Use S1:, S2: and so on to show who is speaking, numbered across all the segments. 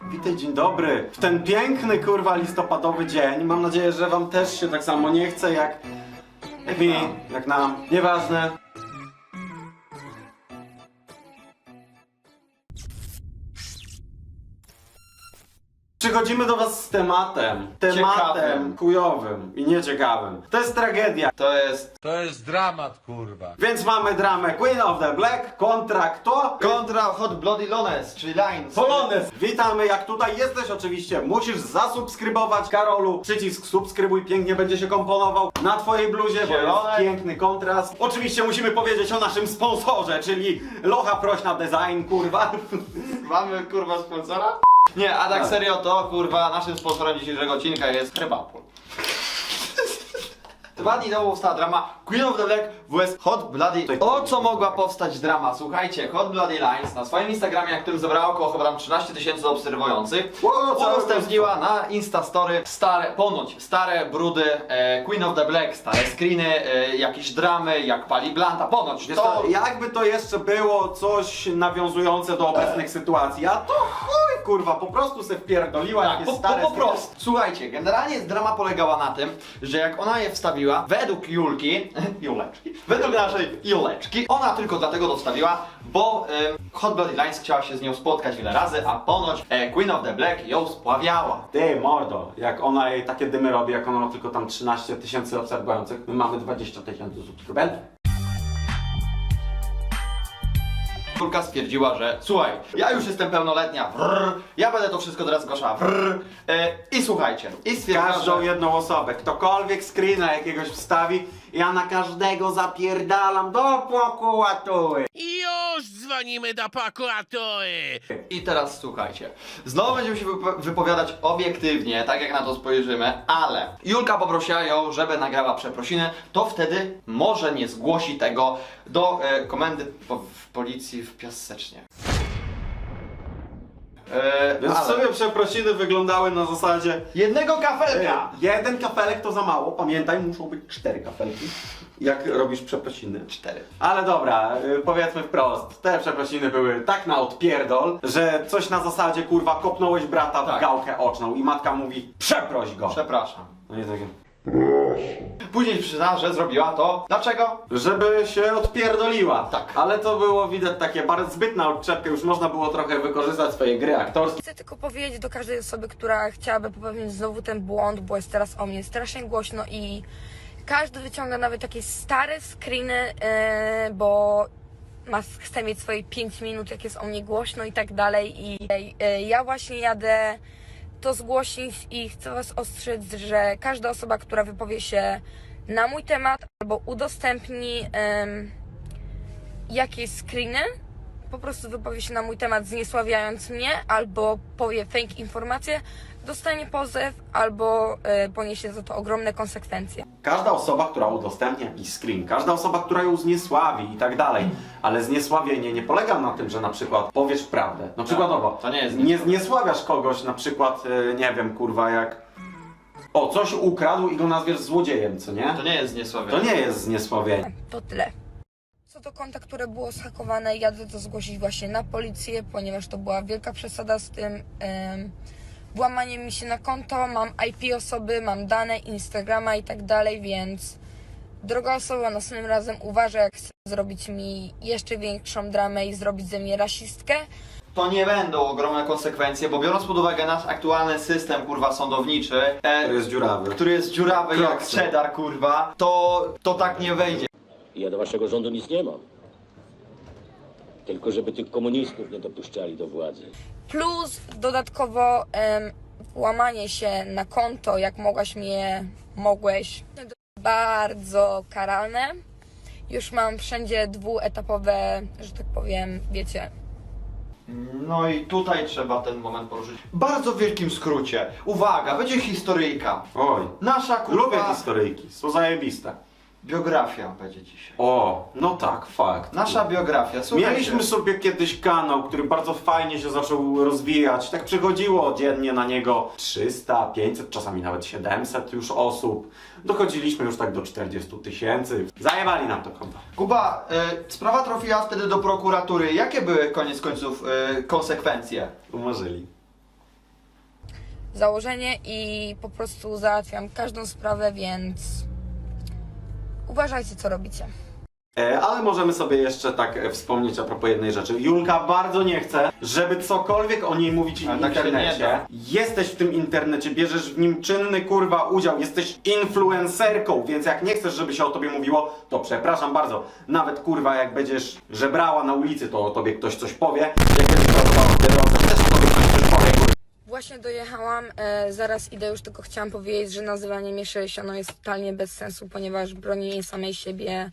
S1: Witaj, dzień dobry. W ten piękny, kurwa, listopadowy dzień. Mam nadzieję, że wam też się tak samo nie chce jak mi, jak nam. Nieważne. Przychodzimy do was z tematem.
S2: Ciekawym.
S1: Chujowym i nieciekawym. To jest tragedia.
S2: To jest dramat, kurwa.
S1: Więc mamy dramę Queen of the Black kontra kto?
S2: Kontra Hot Bloody Lones, czyli Lines.
S1: Polones! Witamy, jak tutaj jesteś oczywiście, musisz zasubskrybować. Karolu, przycisk subskrybuj, pięknie będzie się komponował na twojej bluzie, bo
S2: Zielone.
S1: jest piękny kontrast. Oczywiście musimy powiedzieć o naszym sponsorze, czyli Locha Prośna Design, kurwa.
S2: Mamy kurwa sponsora? Nie, a tak serio to kurwa naszym sponsorem dzisiejszego odcinka jest Herbapol. 2 dni temu powstała drama Queen of the Black vs Hot Bloody. O co mogła powstać drama? Słuchajcie, Hot Bloody Lines na swoim Instagramie, na którym zebrała około chyba tam 13 000 obserwujących, udostępniła na Instastory ponoć stare brudy Queen of the Black, stare screeny, jakieś dramy, jak pali blanta, ponoć.
S1: Wiesz to, jakby to jeszcze było coś nawiązujące do obecnych sytuacji, a to chuj, kurwa, po prostu se wpierdoliła
S2: Tak,
S1: jakieś stare
S2: po prostu. Słuchajcie, generalnie drama polegała na tym, że jak ona je wstawiła, według Julki, według naszej Juleczki, ona tylko dlatego to wstawiła, bo Hot Bloody Lines chciała się z nią spotkać wiele razy, a ponoć Queen of the Black ją spławiała.
S1: Ty, mordo, jak ona jej takie dymy robi, jak ona ma tylko tam 13 000 obserwujących, my mamy 20 000 subskrybentów.
S2: Julka stwierdziła, że słuchaj, ja już jestem pełnoletnia, ja będę to wszystko teraz zgłaszała, i słuchajcie, i stwierdziła,
S1: Każdą
S2: że...
S1: jedną osobę, ktokolwiek screena jakiegoś wstawi, ja na każdego zapierdalam do prokuratury.
S3: I już dzwonimy do prokuratury!
S2: I teraz słuchajcie, znowu będziemy się wypowiadać obiektywnie, tak jak na to spojrzymy, ale Julka poprosiła ją, żeby nagrała przeprosiny, to wtedy może nie zgłosi tego do komendy w policji w Piasecznie.
S1: Więc w sobie przeprosiny wyglądały na zasadzie
S2: jednego kafelka!
S1: jeden kafelek to za mało, pamiętaj, muszą być 4 kafelki, jak robisz przeprosiny.
S2: 4.
S1: Ale dobra, powiedzmy wprost, te przeprosiny były tak na odpierdol, że coś na zasadzie, kurwa, kopnąłeś brata w
S2: Tak.
S1: gałkę oczną i matka mówi, przeproś go.
S2: Przepraszam.
S1: No i takie,
S2: Później przyznała, że zrobiła to. Dlaczego?
S1: żeby się odpierdoliła.
S2: Tak.
S1: Ale to było widać takie bardzo zbytna odczepka, już można było trochę wykorzystać swoje gry aktorskie.
S4: Chcę tylko powiedzieć do każdej osoby, która chciałaby popełnić znowu ten błąd, bo jest teraz o mnie strasznie głośno i każdy wyciąga nawet takie stare screeny, bo chce mieć swoje 5 minut, jak jest o mnie głośno i tak dalej. I ja właśnie jadę to zgłosić i chcę was ostrzec, że każda osoba, która wypowie się na mój temat albo udostępni jakieś screeny, po prostu wypowie się na mój temat zniesławiając mnie, albo powie fake informacje, dostanie pozew, albo poniesie za to ogromne konsekwencje.
S1: Każda osoba, która udostępnia jakiś screen, każda osoba, która ją zniesławi i tak dalej, ale zniesławienie nie polega na tym, że na przykład powiesz prawdę. No przykładowo,
S2: to nie jest
S1: nie zniesławiasz kogoś na przykład, nie wiem, kurwa, jak coś ukradł i go nazwiesz złodziejem, co nie?
S2: To nie jest zniesławienie.
S1: To nie jest zniesławienie.
S4: To tyle. Co do konta, które było zhakowane, jadę to zgłosić właśnie na policję, ponieważ to była wielka przesada z tym włamaniem mi się na konto, mam IP osoby, mam dane, Instagrama i tak dalej, więc droga osoba, następnym razem uważaj, jak chce zrobić mi jeszcze większą dramę i zrobić ze mnie rasistkę.
S2: To nie będą ogromne konsekwencje, bo biorąc pod uwagę nasz aktualny system, kurwa, sądowniczy,
S1: To jest dziurawy.
S2: który jest dziurawy jak
S1: Kroksy.
S2: cheddar, kurwa, to tak nie wejdzie.
S5: Ja do waszego rządu nic nie mam. Tylko żeby tych komunistów nie dopuszczali do władzy.
S4: Plus dodatkowo włamanie się na konto, jak mogłeś, bardzo karalne. Już mam wszędzie dwuetapowe, że tak powiem, wiecie.
S2: No i tutaj trzeba ten moment poruszyć. W bardzo wielkim skrócie. Uwaga, będzie historyjka.
S1: Oj,
S2: Nasza, kurwa,
S1: lubię historyjki, są zajebiste.
S2: biografia będzie dzisiaj.
S1: O, no tak, fakt.
S2: Nasza biografia, słuchajcie.
S1: Mieliśmy sobie kiedyś kanał, który bardzo fajnie się zaczął rozwijać. Tak przychodziło dziennie na niego 300, 500, czasami nawet 700 już osób. Dochodziliśmy już tak do 40 000. Zajebali nam to konto.
S2: Kuba, sprawa trafiła wtedy do prokuratury. Jakie były koniec końców konsekwencje?
S1: Umarzyli.
S4: założenie i po prostu załatwiam każdą sprawę, więc uważajcie, co robicie.
S1: Ale możemy sobie jeszcze tak wspomnieć a propos jednej rzeczy. Julka bardzo nie chce, żeby cokolwiek o niej mówić w
S2: Ale tak się nie
S1: internecie.
S2: da.
S1: Jesteś w tym internecie, bierzesz w nim czynny kurwa udział, jesteś influencerką, więc jak nie chcesz, żeby się o tobie mówiło, to przepraszam bardzo. Nawet kurwa jak będziesz żebrała na ulicy, to o tobie ktoś coś powie. Jak będziesz pracowała w Biedronce, też o tobie ktoś coś powie, kurwa.
S4: Właśnie dojechałam, zaraz idę, już tylko chciałam powiedzieć, że nazywanie mnie sześcianą jest totalnie bez sensu, ponieważ bronię samej siebie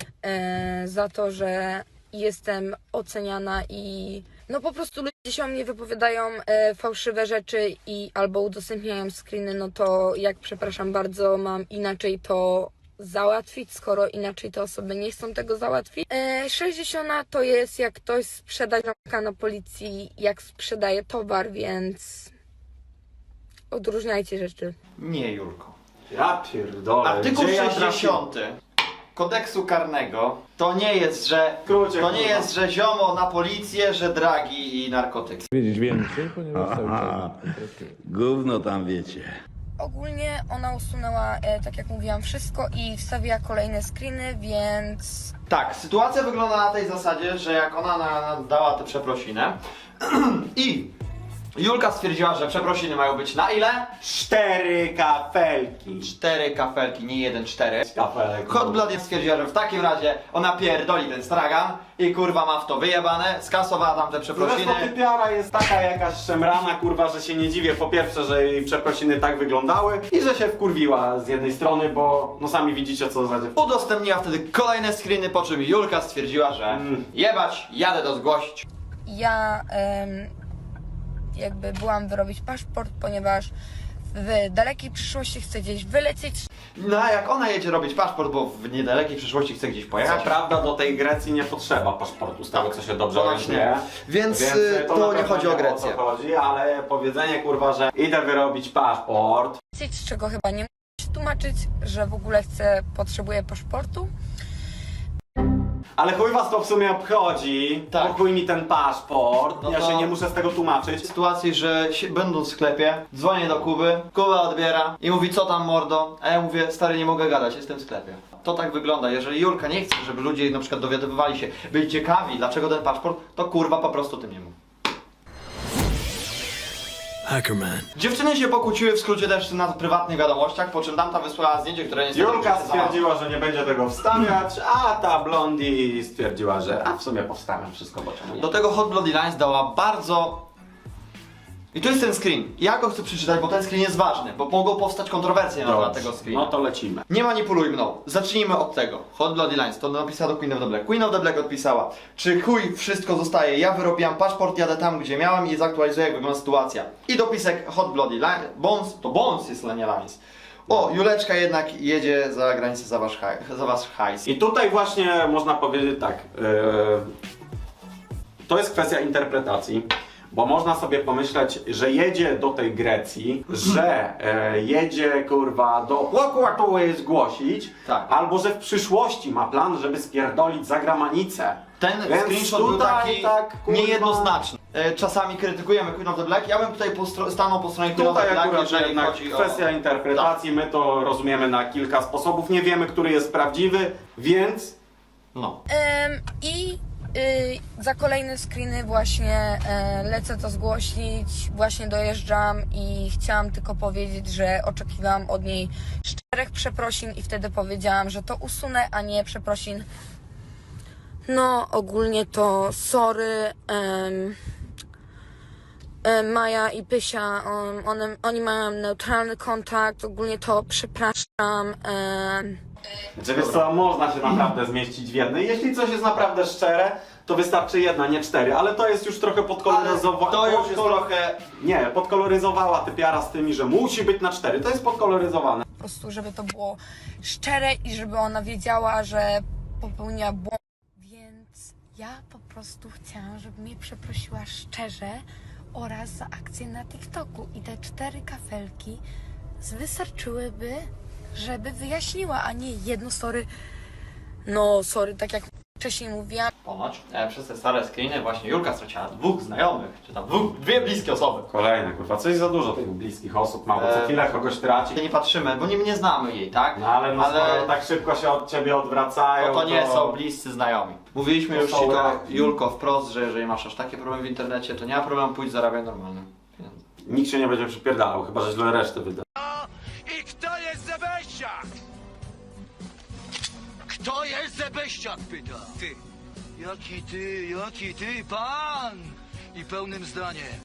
S4: za to, że jestem oceniana i no po prostu ludzie się o mnie wypowiadają fałszywe rzeczy i albo udostępniają screeny, no to jak przepraszam bardzo, mam inaczej to załatwić, skoro inaczej te osoby nie chcą tego załatwić. 60 to jest jak ktoś sprzeda ziomka na policji, jak sprzedaje towar, więc odróżniajcie rzeczy.
S2: Nie, Julko.
S1: Ja pierdolę.
S2: Artykuł
S1: gdzie ja
S2: 60 kodeksu karnego to nie jest, że
S1: Skrócie,
S2: to nie
S1: kurwa.
S2: jest, że ziomo na policję, że dragi i narkotyki.
S6: wiedzieć więcej, ponieważ cały
S7: Aha,
S6: czas
S7: gówno tam wiecie.
S4: Ogólnie ona usunęła, tak jak mówiłam, wszystko i wstawiła kolejne screeny, więc
S2: Tak, sytuacja wygląda na tej zasadzie, że jak ona dała tę przeprosinę i Julka stwierdziła, że przeprosiny mają być na ile?
S1: 4 kafelki.
S2: 4 kafelki, nie 1, 4.
S1: Kafelek.
S2: Hot Blood stwierdziła, że w takim razie ona pierdoli ten stragan i kurwa ma w to wyjebane, skasowała tam te przeprosiny.
S1: Zresztą typiara jest taka jakaś szemrana, kurwa, że się nie dziwię po pierwsze, że jej przeprosiny tak wyglądały i że się wkurwiła z jednej strony, bo no sami widzicie co za dziewczyna.
S2: Udostępniła wtedy kolejne screeny, po czym Julka stwierdziła, że jebać, jadę to zgłosić.
S4: ja jakby byłam wyrobić paszport, ponieważ w dalekiej przyszłości chcę gdzieś wylecieć.
S2: No a jak ona jedzie robić paszport, bo w niedalekiej przyszłości chce gdzieś
S1: Co
S2: pojechać.
S1: prawda do tej Grecji nie potrzeba paszportu, z tego co się dobrze
S2: Właśnie.
S1: orientuję.
S2: Więc
S1: na
S2: to nie
S1: pewno
S2: chodzi o
S1: wiem,
S2: Grecję.
S1: co chodzi, ale powiedzenie kurwa, że idę wyrobić paszport.
S4: Z czego chyba nie muszę się tłumaczyć, że w ogóle potrzebuję paszportu.
S1: Ale chuj was to w sumie obchodzi,
S2: Tak.
S1: chuj mi ten paszport,
S2: No
S1: ja
S2: to-
S1: się nie muszę z tego tłumaczyć.
S2: W sytuacji, że będąc w sklepie, dzwonię do Kuby, Kuba odbiera i mówi, co tam mordo, a ja mówię, stary, nie mogę gadać, jestem w sklepie. To tak wygląda, jeżeli Julka nie chce, żeby ludzie na przykład dowiadywali się, byli ciekawi, dlaczego ten paszport, to kurwa po prostu tym nie mów.
S8: Hackerman.
S2: Dziewczyny się pokłóciły w skrócie też na prywatnych wiadomościach, po czym tamta wysłała zdjęcie, które niestety
S1: Julka
S2: nie przeczytała.
S1: stwierdziła, że nie będzie tego wstawiać, a ta Blondie stwierdziła, że a w sumie powstawiam wszystko, bo czemu nie?
S2: Do tego Hot Bloody Lines dała bardzo... I to jest ten screen. Ja go chcę przeczytać, bo ten screen jest ważny, bo mogą powstać kontrowersje na temat tego screena.
S1: No to lecimy.
S2: Nie manipuluj mną. Zacznijmy od tego. Hot Bloody Lines, to napisała do Queen of the Black. Queen of the Black odpisała: czy chuj, wszystko zostaje, ja wyrobiłam paszport, jadę tam gdzie miałam i zaktualizuję jak wygląda sytuacja. I dopisek Hot Bloody Lines, Bones, to Bones jest nie Lines. O, Juleczka jednak jedzie za granicę za wasz hajs.
S1: I tutaj właśnie można powiedzieć tak, to jest kwestia interpretacji. Bo można sobie pomyśleć, że jedzie do tej Grecji, że jedzie kurwa do prokuratury zgłosić,
S2: Tak.
S1: albo że w przyszłości ma plan, żeby spierdolić za granicę.
S2: Ten
S1: Więc
S2: screenshot był
S1: tutaj
S2: taki
S1: tak, kurwa,
S2: niejednoznaczny. Czasami krytykujemy Queen of the Black, ja bym tutaj stanął po stronie Queen of the
S1: Tutaj
S2: Black,
S1: akurat
S2: jeżeli
S1: jednak
S2: chodzi o...
S1: kwestia interpretacji, my to rozumiemy na kilka sposobów, nie wiemy, który jest prawdziwy, więc
S2: No.
S4: I za kolejne screeny właśnie lecę to zgłosić, właśnie dojeżdżam i chciałam tylko powiedzieć, że oczekiwałam od niej 4 przeprosin i wtedy powiedziałam, że to usunę, a nie przeprosin. No ogólnie to sorry, Maja i Pysia, oni mają neutralny kontakt, ogólnie to przepraszam.
S1: Znaczy, wiesz co, można się naprawdę zmieścić w jednej. Jeśli coś jest naprawdę szczere, to wystarczy jedna, nie 4, ale to jest już trochę podkoloryzowane.
S2: To już jest trochę...
S1: Nie, podkoloryzowała typiara z tymi, że musi być na 4. To jest podkoloryzowane.
S4: Po prostu, żeby to było szczere i żeby ona wiedziała, że popełniła błąd. Więc ja po prostu chciałam, żeby mnie przeprosiła szczerze oraz za akcję na TikToku. I te 4 kafelki wystarczyłyby, żeby wyjaśniła, a nie jedno sorry. No sorry, tak jak wcześniej mówiłam.
S2: Ponoć przez te stare screeny właśnie Julka straciła 2 znajomych, czy tam 2 bliskie osoby.
S1: Kolejne, kurwa, coś za dużo tych bliskich osób ma, bo co chwilę kogoś traci.
S2: Nie patrzymy, bo nie znamy jej, tak?
S1: No ale, skoro tak szybko się od ciebie odwracają,
S2: to nie są bliscy znajomi. Mówiliśmy
S1: To
S2: już
S1: są
S2: ci to,
S1: raki.
S2: Julko, wprost, że jeżeli masz aż takie problemy w internecie, to nie ma problemu, pójdź zarabiaj normalne pieniądze.
S1: Nikt się nie będzie przypierdalał, chyba że źle resztę wyda.
S3: I kto jest Zebeściak? Kto jest Zebeściak, pyta?
S6: Ty, jaki ty, pan! I pełnym zdaniem.